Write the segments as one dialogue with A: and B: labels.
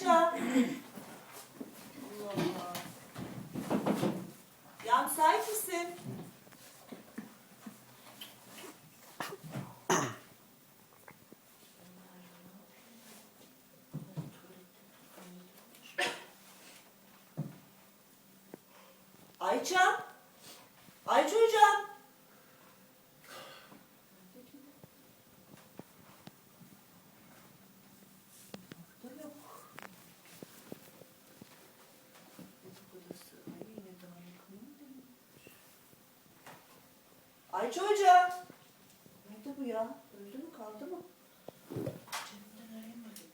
A: Ayça. Allah Allah. Ya müsait misin? Ayça. Ayça hocam. Ayça hocam. Nerede bu ya? Öldü mü kaldı mı? Cebimden arayayım bakayım.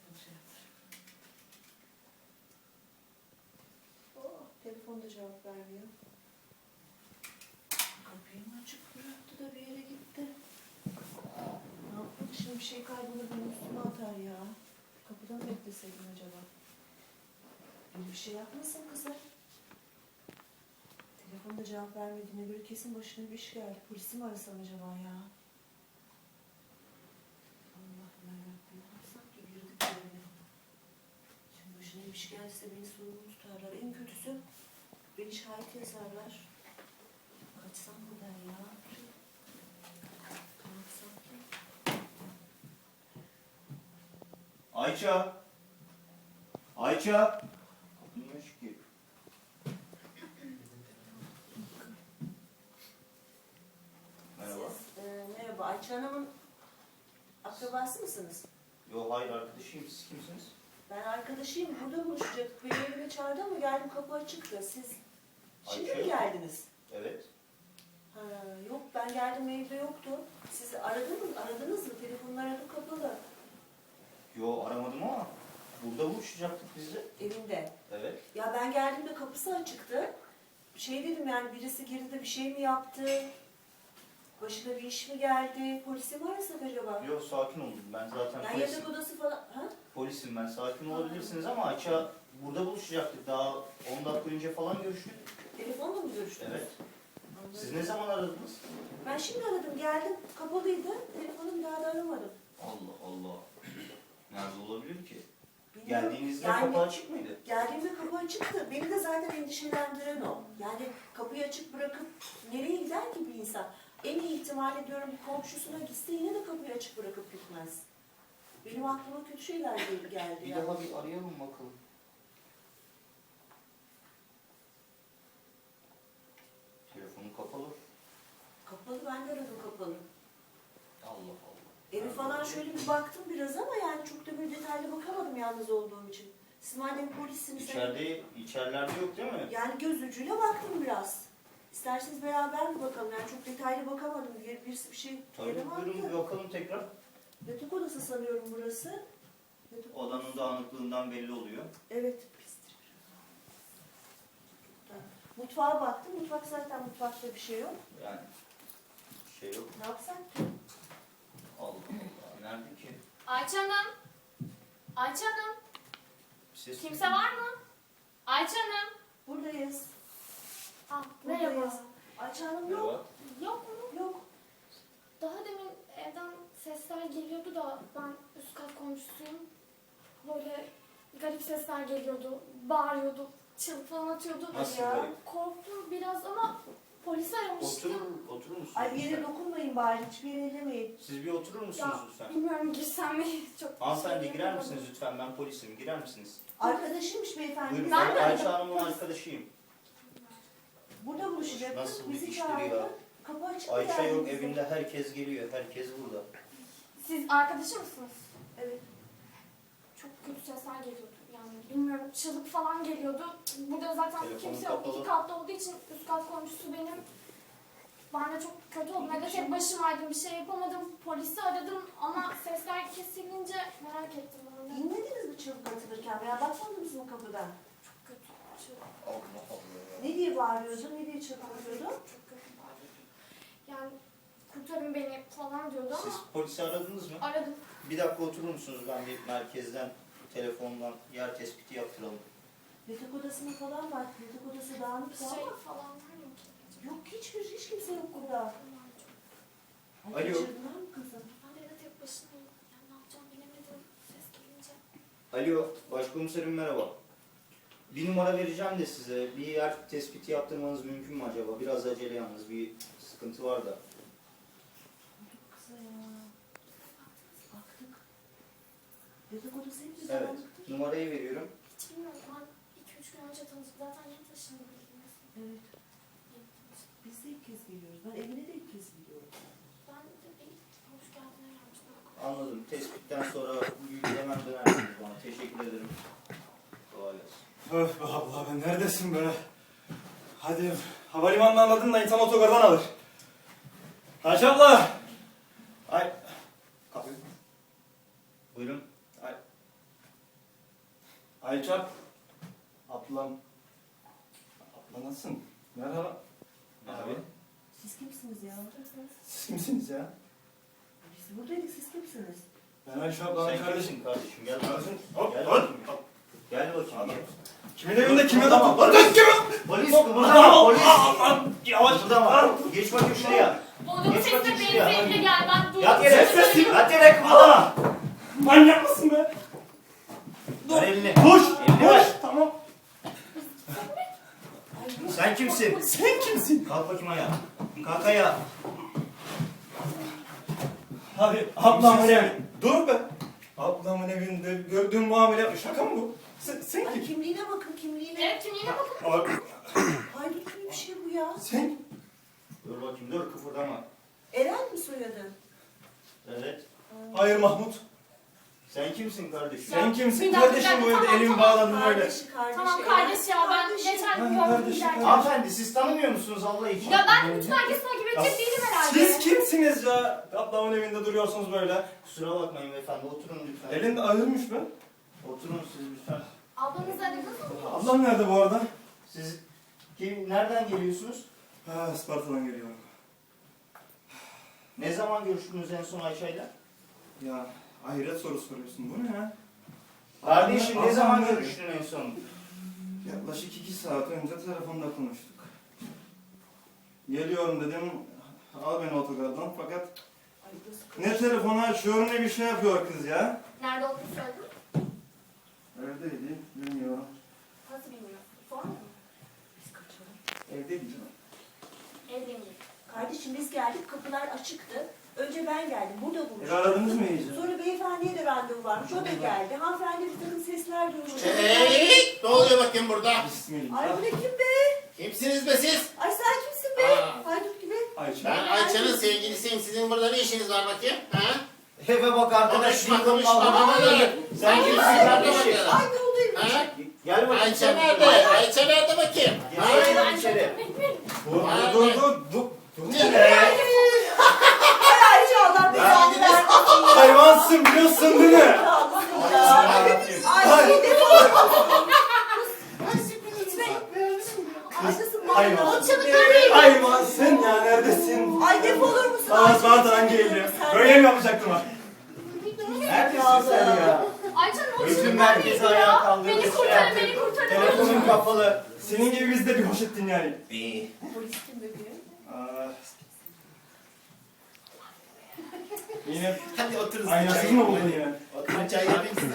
A: Oh, telefonda cevap vermiyor. Kapıyı mı açık bıraktı da bir yere gitti? Ne yapalım şimdi, bir şey kaybolur benim üstüme atar ya. Kapıda mı bekleseydim acaba? Bir şey yapmasın kızım. Telefonda cevap vermediğine göre kesin başına bir iş geldi. Polisi mi arasam acaba ya? Allah'ım yarabbim. Sanki girdik böyle. Şimdi başına bir iş gelse beni sorumlu tutarlar. En kötüsü beni şahit yazarlar. Kaçsam buradan ya. Kaçsam ki.
B: Ayça! Ayça! Niye açık ki? Merhaba.
A: Merhaba. Ayça Hanım'ın akrabası mısınız?
B: Yo hayır arkadaşıyım. Siz kimsiniz?
A: Ben arkadaşıyım. Burada buluşacaktık. Beni evime çağırdı ama geldim, kapı açıktı. Siz şimdi
B: Ayça
A: mi
B: yok.
A: geldiniz?
B: Evet.
A: Ha, yok, ben geldim evde yoktu. Siz aradınız mı? Telefonunu aradım, kapalı.
B: Yo aramadım ama burada buluşacaktık biz de.
A: Evinde.
B: Evet.
A: Ya ben geldiğimde kapısı açıktı. Şey dedim, yani birisi girdi de bir şey mi yaptı? Başına bir iş mi geldi? Polisi mi arasak acaba?
B: Yo sakin olun. Ben zaten
A: Yani
B: polisim.
A: yatak odası falan... Ha?
B: Polisim ben. Sakin olabilirsiniz ama Ayça burada buluşacaktık. Daha 10 dakika önce falan görüştük.
A: Telefonla mı görüştünüz?
B: Evet.
A: Anladım.
B: Siz ne zaman aradınız?
A: Ben şimdi aradım, geldim. Kapalıydı. Telefonum daha da aramadım.
B: Allah Allah. Nerede olabilir ki?
A: Bilmiyorum.
B: Geldiğinizde
A: Yani-
B: kapı açık mıydı?
A: Geldiğimde kapı açıktı. Beni de zaten endişelendiren o. Yani kapıyı açık bırakıp nereye gider ki bir insan? En iyi ihtimal ediyorum bir komşusuna gitse yine de kapıyı açık bırakıp gitmez. Benim aklıma kötü şeyler geldi
B: Bir
A: ya.
B: daha bir arayalım bakalım. Telefonu kapalı.
A: Kapalı, ben de aradım kapalı.
B: Allah Allah.
A: Evi falan şöyle bir baktım biraz ama yani çok da böyle detaylı bakamadım yalnız olduğum için. Siz madem polissiniz...
B: İçerilerde yok değil mi?
A: Yani göz ucuyla baktım biraz. İsterseniz beraber mi bakalım? Yani çok detaylı bakamadım. Birisi bir şey
B: Tabii
A: yere
B: buyurun bir
A: baktı.
B: bakalım tekrar.
A: Yatak odası sanıyorum burası. Yatak
B: Odanın dağınıklığından belli oluyor.
A: Evet, pistir. Mutfağa baktım. Mutfak zaten, mutfakta bir şey yok.
B: Yani şey yok.
A: Ne yapsak ki?
B: Allah Allah. Nerede ki?
C: Ayça Hanım. Ayça Hanım.
B: Ses
C: Kimse var mı? Ayça Hanım.
A: Buradayız.
C: Merhaba.
A: Buradayız. Ayça Hanım yok.
B: Merhaba.
C: Yok mu?
A: Yok.
C: Daha demin evden sesler geliyordu da ben üst kat komşusuyum. Böyle garip sesler geliyordu. Bağırıyordu. Çığlık falan atıyordu.
B: Nasıl
A: ya?
B: garip?
C: Korktum biraz ama polisi aramıştım.
B: Oturur musunuz?
A: Ay bir yere
B: lütfen?
A: dokunmayın bari. Hiçbir yere ellemeyin.
B: Siz bir oturur musunuz
C: Ya
B: lütfen?
C: bilmiyorum girsem mi? Çok
B: Hanımefendi
C: şey
B: girer
C: yapamadım.
B: misiniz lütfen? Ben polisim. Girer misiniz?
A: Arkadaşıymış beyefendi.
B: Buyurun.
A: Biz
C: Ben de
B: Ayça
C: aradım.
B: Hanım'ın arkadaşıyım.
A: burada buluşacaktık.
B: Nasıl bir
A: Bizi
B: iştir ya?
A: çağırdı. Kapı açık
B: Ayça
A: yani
B: yok
A: bizim.
B: evinde. Herkes geliyor. Herkes burada.
C: Siz arkadaşı mısınız?
A: Evet.
C: Çok kötü sesler geliyordu. Yani bilmiyorum çığlık falan geliyordu. Burada zaten
B: Telefonu
C: kimse yok.
B: kapalı.
C: İki katlı olduğu için üst kat komşusu benim. Ben de çok kötü oldum. Evde tek başımaydım. Bir şey yapamadım. Polisi aradım ama sesler kesilince merak ettim ben de.
A: Dinlediniz mi çığlık atılırken veya bakmadınız mı kapıdan?
C: Çok kötü.
B: Allah Allah.
A: Ne diye bağırıyordu, ne diye çığlık atıyordu?
C: Çok kötü bağırıyordu. Yani kurtarın beni falan diyordu
B: Siz
C: ama
B: polisi aradınız mı?
C: aradım.
B: Bir dakika oturur musunuz? Ben bir merkezden telefondan yer tespiti yaptıralım.
A: Yatak odasına falan bak. Yatak odası dağınık
C: Şey
A: ama.
C: falan var mı ki?
A: Yok, hiç kimse yok burada.
B: Alo.
A: Ay, kaçırdılar mı kızım?
C: Ben de evde tek başımayım. Yani ne yapacağımı bilemedim ses gelince.
B: Alo, başkomiserim merhaba. Bir numara vereceğim de size. Bir yer tespiti yaptırmanız mümkün mü acaba? Biraz acele yalnız, bir sıkıntı var da.
A: Kıza ya. Baktık. Dedikodu senin
B: Evet,
A: yüzünden.
B: numarayı veriyorum.
C: Hiç bilmiyorum. Ben 2-3 gün önce tanıştık. Zaten yeni taşındım.
A: Evet. Biz de ilk kez geliyoruz. Ben evine de ilk kez gidiyorum.
C: Ben de bir hoş geldin gelmiştim.
B: Anladım. Tespitten sonra bilgi hemen dönersiniz bana. Teşekkür ederim. Kolay gelsin.
D: Öf be abla be neredesin be? Hadi havalimanını anladın da insan otogardan alır. Ayça abla! Ay... Kapı.
B: Buyurun.
D: Ayça... Ablam... Abla nasılsın? Merhaba.
B: Abi.
A: Siz kimsiniz ya?
D: Siz kimsiniz ya?
A: Biz buradaydık. Siz kimsiniz?
D: Ben Ayça ablanın
B: Sen
D: kardeşim.
B: kimsin kardeşim? Gel bakayım.
D: Hop
B: Gel
D: hop.
B: bakayım. Gel bakayım. Gel.
D: Kimin evinde kimin adamı? Lan kız kimin?
B: Polis kıpırdama polis.
D: Yavaş.
B: Kıpırdama. Geç bakayım şuraya.
C: Onun
B: Geç
C: sesine
B: bakayım şuraya.
C: benzeyle gel. Ben duydum.
B: Yat yere.
D: Ses.
B: Yat yere kıpırdama.
D: Manyak mısın be?
B: Ver elini.
D: Koş.
B: Elini ver.
D: Tamam.
B: Sen kimsin?
D: Sen kimsin?
B: Kalk bakayım ayağa. Kalk ayağa.
D: Hadi ablamın evi. Dur be. Ablamın evinde gördüğün muamele şaka mı bu? Sen
A: Ay
D: kim?
A: kimliğine bakın kimliğine.
C: Evet kimliğine bakın.
D: Abi,
A: Haydut gibi bir şey bu ya.
D: sen?
B: Dur bakayım dur kıpırdama.
A: Eren mi soyadın?
B: Evet.
D: Hayır Mahmut.
B: Sen kimsin kardeşim?
D: Sen kimsin
C: bir dakika,
D: kardeşim
C: bir dakika,
D: böyle
C: tamam,
D: elimi
C: tamam.
D: bağladın öyle.
A: Kardeşi.
C: Tamam
A: Eren.
C: kardeş ya ben
A: Kardeşi.
C: geçen gün
D: Ha,
C: gördüm
D: kardeşim,
C: giderken.
B: Hanımefendi siz tanımıyor musunuz Allah için?
C: Ya ben bütün herkes takip edecek değilim herhalde.
D: Siz kimsiniz ya? Ablamın evinde duruyorsunuz böyle.
B: Kusura bakmayın beyefendi oturun lütfen.
D: Elinde ağırmış be.
B: Oturun siz lütfen.
C: Ablanız aradınız mı?
D: Ablam nerede bu arada?
B: Siz nereden geliyorsunuz?
D: Ha, Isparta'dan geliyorum.
B: Ne zaman görüştünüz en son Ayşe'yle?
D: Ya ahiret soru soruyorsun. Bu ne ya?
B: Kardeşim ne
D: Ablam
B: zaman
D: nerede?
B: görüştün en son?
D: Yaklaşık 2 saat önce telefonda konuştuk. Geliyorum dedim. Al beni otogardan fakat
A: Ay, burası
D: ne telefonu açıyor ne bir şey yapıyor kız ya.
C: Nerede olduğunu söyledin mi?
D: Evdeydi, bilmiyorum.
C: Nasıl bilmiyorsun? Sorma mı?
A: Biz kaçalım.
D: Evdeydi canım.
C: Evliyim.
A: Kardeşim biz geldik kapılar açıktı. Önce ben geldim. Burada
D: Evi
A: buluştuk.
D: aradınız mı iyice?
A: Sonra beyefendiye de randevu varmış. O da geldi. Hanımefendi bir takım sesler duymuş.
E: Hey! Ne oluyor bakayım burada?
D: Bismillah.
A: Ay bu ne kim be?
E: Kimsiniz be siz?
A: Ay sen kimsin be?
E: Aa.
A: Haydut gibi.
D: Ayça.
E: Ben Ayça'nın sevgilisiyim. Sizin burada ne işiniz var bakayım? Ha?
B: Eve bak arkadaş.
E: Konuşma, konuşma,
B: Allah'ım.
E: bana da.
B: Sen kimsin kardeşim?
E: bakalım.
A: Ay ne oldu
E: Ha?
B: Gel bakayım.
E: Ayça
B: sen.
E: nerede? Ayça nerede bakayım? Ha?
B: Gel içeri.
D: Dur.
A: Ay Ayşe Allah belanı vermesin.
D: Hayvansın biliyorsun değil mi?
A: Ay defol.
D: Hayvan.
C: O çığlıklar değil.
D: Hayvansın ya neredesin?
A: Ay defolur musun?
D: Aa Isparta'dan geldim. Böyle mi yapacaktım ha?
B: Neredesin sen ya?
C: Ayça ne o
B: Bütün
C: çığlıklar
B: merkezi
C: değil
B: ayağa
C: ya.
B: kaldırdı,
C: Beni
B: şey
C: kurtarın
B: yaptı.
C: beni kurtarın.
B: Telefonun kapalı.
D: Senin gibi biz de bir hoş ettin yani.
A: Polis kim bebeğim?
D: Aa. Yine
E: Hadi oturun.
D: aynasız mı buldun yine?
E: Oturun çay yapayım size.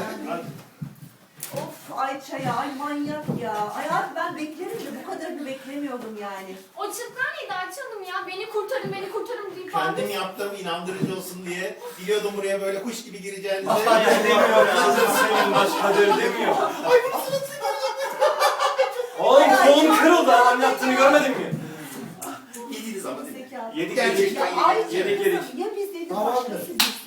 A: Of Ayça ya, ay manyak ya. Ay abi ben beklerim de bu kadarını beklemiyordum yani.
C: O çığlıklar neydi Ayça Hanım ya? Beni kurtarın deyip
E: Kendim yaptım inandırıcı olsun diye. Biliyordum buraya böyle kuş gibi gireceğinizi.
D: Hayır demiyor kızım senin başkadır demiyor. Oğlum kolum kırıldı adam yaptığını görmedin mi?
E: Yediniz ama değil mi?
A: Zekalı.
D: Yedik
E: Gerçekten
A: Ya Ayça
D: yedik.
A: kızım, ya biz dedik başka siz